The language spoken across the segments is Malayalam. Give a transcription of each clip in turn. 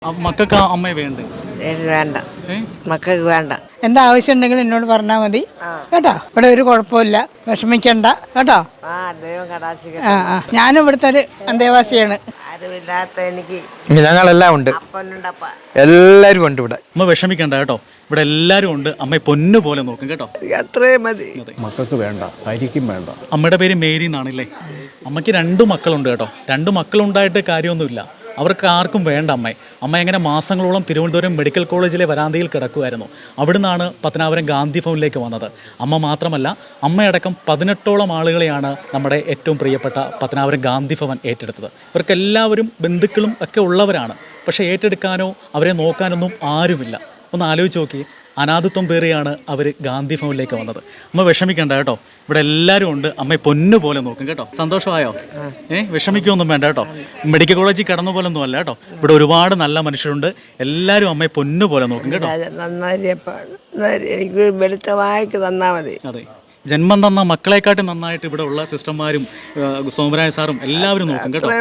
മക്കൾക്ക് അമ്മയെ വേണ്ടേ? വേണ്ട, മക്കൾക്ക് വേണ്ട. എന്താ ആവശ്യം ഉണ്ടെങ്കിലും എന്നോട് പറഞ്ഞാൽ മതി കേട്ടോ. ഇവിടെ ഒരു കുഴപ്പമില്ല, വിഷമിക്കണ്ട കേട്ടോ. ഞാനും ഇവിടുത്തെ ഒരു അന്തേവാസിയാണ്. ആരുമില്ലാത്ത എനിക്ക് ഞങ്ങളെല്ലാം ഉണ്ട്, അപ്പനുണ്ടപ്പ എല്ലാവരും ഉണ്ട് ഇവിടെ. അമ്മ വിഷമിക്കണ്ട കേട്ടോ, ഇവിടെ എല്ലാവരും ഉണ്ട്. അമ്മയെ പൊന്നു പോലെ നോക്കും കേട്ടോ. അത്രയും മതി. മക്കൾക്ക് വേണ്ട, ആയിരിക്കും വേണ്ട. അമ്മയുടെ പേര് മേരി എന്നാണല്ലേ. അമ്മയ്ക്ക് 2 മക്കളുണ്ട് കേട്ടോ. 2 മക്കളുണ്ടായിട്ട് കാര്യമൊന്നുമില്ല, അവർക്ക് ആർക്കും വേണ്ട അമ്മയെ. അമ്മ എങ്ങനെ മാസങ്ങളോളം തിരുവനന്തപുരം മെഡിക്കൽ കോളേജിലെ വരാന്തയിൽ കിടക്കുമായിരുന്നു. അവിടുന്നാണ് പത്തനാപുരം ഗാന്ധി ഭവനിലേക്ക് വന്നത്. അമ്മ മാത്രമല്ല, അമ്മയടക്കം 18ഓളം ആളുകളെയാണ് നമ്മുടെ ഏറ്റവും പ്രിയപ്പെട്ട പത്തനാപുരം ഗാന്ധി ഭവൻ ഏറ്റെടുത്തത്. ഇവർക്കെല്ലാവരും ബന്ധുക്കളും ഒക്കെ ഉള്ളവരാണ്. പക്ഷേ ഏറ്റെടുക്കാനോ അവരെ നോക്കാനൊന്നും ആരുമില്ല. ഒന്ന് ആലോചിച്ച് നോക്കി, അനാഥത്വം പേറിയാണ് അവർ ഗാന്ധി ഭവനിലേക്ക് വന്നത്. അമ്മ വിഷമിക്കണ്ട കേട്ടോ, ഇവിടെ എല്ലാവരും ഉണ്ട്. അമ്മയെ പൊന്നു പോലെ നോക്കും കേട്ടോ. സന്തോഷമായോ? വിഷമിക്കൊന്നും വേണ്ട കേട്ടോ. മെഡിക്കൽ കോളേജിൽ കിടന്ന പോലെ ഒന്നും അല്ല കേട്ടോ. ഇവിടെ ഒരുപാട് നല്ല മനുഷ്യരുണ്ട്. എല്ലാവരും അമ്മയെ പൊന്നു പോലെ നോക്കും കേട്ടോ. എനിക്ക് വെളുത്തവായിക്ക് തന്നാ മതി. അതെ, ജന്മം തന്ന മക്കളെക്കാട്ടും നന്നായിട്ട് ഇവിടെ ഉള്ള സിസ്റ്റർമാരും സോമരായ സാറും എല്ലാവരും നോക്കും കേട്ടോ.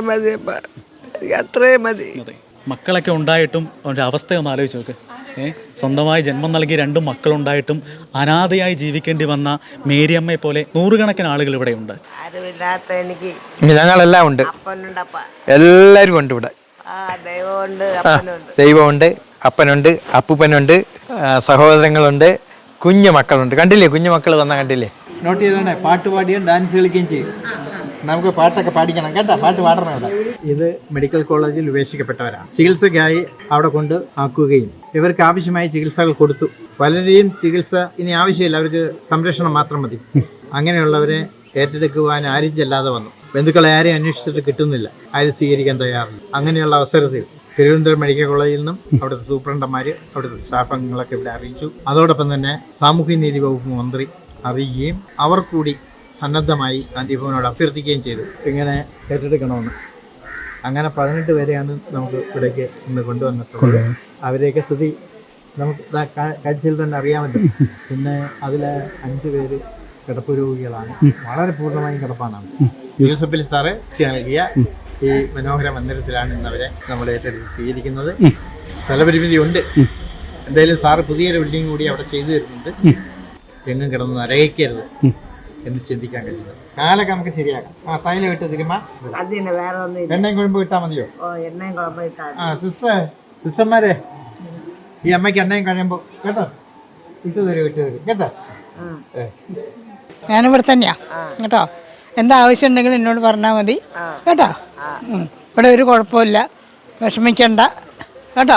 അത്രയും മതി. അതെ, മക്കളൊക്കെ ഉണ്ടായിട്ടും അവൻ്റെ അവസ്ഥയൊന്ന് ആലോചിച്ച് നോക്ക്. സ്വന്തമായി ജന്മം നൽകി 2 മക്കളുണ്ടായിട്ടും അനാഥയായി ജീവിക്കേണ്ടി വന്ന മേരിയമ്മയെ പോലെ നൂറുകണക്കിന് ആളുകൾ ഇവിടെയുണ്ട്. ആരുമില്ലാത്ത എനിക്ക് ഞങ്ങളെല്ലാം ഉണ്ട്, അപ്പനുണ്ടപ്പ എല്ലാവരും ഉണ്ട് ഇവിടെ. ദൈവമുണ്ട്, അപ്പനുണ്ട്. ദൈവമുണ്ട്, അപ്പനുണ്ട്, അപ്പൂപ്പനുണ്ട്, സഹോദരങ്ങളുണ്ട്, കുഞ്ഞു മക്കളുണ്ട്. കണ്ടില്ലേ, കുഞ്ഞു മക്കൾ വന്നാൽ കണ്ടില്ലേ? നോട്ട് ചെയ്തോണ്ടേ, പാട്ട് പാടിയും ഡാൻസ് കളിക്കുകയും ചെയ്യും. നമുക്ക് പാട്ടൊക്കെ പാടിക്കണം കേട്ടോ, പാട്ട് പാടണം ഇവിടെ. ഇത് മെഡിക്കൽ കോളേജിൽ ഉപേക്ഷിക്കപ്പെട്ടവരാണ്. ചികിത്സയ്ക്കായി അവിടെ കൊണ്ട് ആക്കുകയും ഇവർക്ക് ആവശ്യമായ ചികിത്സകൾ കൊടുത്തു. പലരെയും ചികിത്സ ഇനി ആവശ്യമില്ല, അവർക്ക് സംരക്ഷണം മാത്രം മതി. അങ്ങനെയുള്ളവരെ ഏറ്റെടുക്കുവാൻ ആരും ചെല്ലാതെ വന്നു. ബന്ധുക്കളെ ആരെയും അന്വേഷിച്ചിട്ട് കിട്ടുന്നില്ല, ആരും സ്വീകരിക്കാൻ തയ്യാറില്ല. അങ്ങനെയുള്ള അവസരത്തിൽ തിരുവനന്തപുരം മെഡിക്കൽ കോളേജിൽ നിന്നും അവിടുത്തെ സൂപ്രണ്ടന്മാർ, അവിടുത്തെ സ്റ്റാഫ് അംഗങ്ങളൊക്കെ ഇവിടെ അറിയിച്ചു. അതോടൊപ്പം തന്നെ സാമൂഹ്യനീതി വകുപ്പ് മന്ത്രി അറിയുകയും അവർ കൂടി സന്നദ്ധമായി ഗാന്ധി ഭവനോട് അഭ്യർത്ഥിക്കുകയും ചെയ്തു ഇങ്ങനെ ഏറ്റെടുക്കണമെന്ന്. അങ്ങനെ 18 പേരെയാണ് നമുക്ക് ഇവിടേക്ക് ഇന്ന് കൊണ്ടുവന്നിട്ടുള്ളത്. അവരെയൊക്കെ സ്ഥിതി നമുക്ക് കാഴ്ചയിൽ തന്നെ അറിയാമല്ലോ. പിന്നെ അതിൽ 5 പേര് കിടപ്പ് രോഗികളാണ്, വളരെ പൂർണ്ണമായും കിടപ്പാണ്. യൂസഫലി സാറ് നൽകിയ ഈ മനോഹര മന്ദിരത്തിലാണ് ഇന്നവരെ നമ്മൾ ഏറ്റെടുത്ത് സ്വീകരിക്കുന്നത്. സ്ഥലപരിമിതി ഉണ്ട്, എന്തായാലും സാറ് പുതിയൊരു ബിൽഡിംഗ് കൂടി അവിടെ ചെയ്തു തരുന്നുണ്ട്. എങ്ങും കിടന്ന് നരകിക്കരുത് എന്ന് ചിന്തിക്കാൻ കഴിയുന്നത്. കാലൊക്കെ നമുക്ക് ശരിയാക്കാം. തൈല വിട്ട് തിരുമ, എണ്ണയും കുഴമ്പ് കിട്ടാൽ മതിയോ? സിസ്റ്റർമാരെ, ഈ അമ്മയ്ക്ക് എണ്ണയും കഴിയുമ്പോ കേട്ടോ വിട്ടു തരും കേട്ടോ. ഞാനിവിടെ തന്നെയാ കേട്ടോ. എന്താ ആവശ്യം ഉണ്ടെങ്കിലും എന്നോട് പറഞ്ഞാൽ മതി കേട്ടോ. ഇവിടെ ഒരു കുഴപ്പമില്ല, വിഷമിക്കണ്ട കേട്ടോ.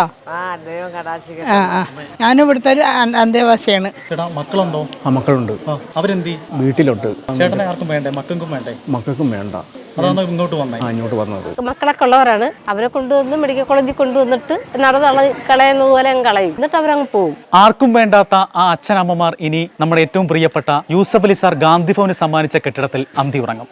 ഞാനും ഇവിടുത്തെ ഒരു അന്തേവാസിയാണ്. മക്കളുണ്ടോ? മക്കളുണ്ട്, അവരെന്തി? വീട്ടിലുണ്ട്. ചേട്ടനെ ആർക്കും വേണ്ടേ? മക്കൾക്കും വേണ്ടേ? മക്കൾക്കും വേണ്ട, അതാണ് ഇങ്ങോട്ട് വന്നേ. ഇങ്ങോട്ട് വന്നത്. മക്കളൊക്കെ ഉള്ളവരാണ്. അവരെ കൊണ്ടുവന്ന് മെഡിക്കൽ കോളേജിൽ കൊണ്ടുവന്നിട്ട് കളയുന്നത് പോലെ അങ്ങ് കളയും, എന്നിട്ട് അവരങ്ങ് പോകും. ആർക്കും വേണ്ടാത്ത ആ അച്ഛനമ്മമാർ ഇനി നമ്മുടെ ഏറ്റവും പ്രിയപ്പെട്ട യൂസഫലി സാർ ഗാന്ധി ഭവന് സമ്മാനിച്ച കെട്ടിടത്തിൽ അന്തി ഉറങ്ങും.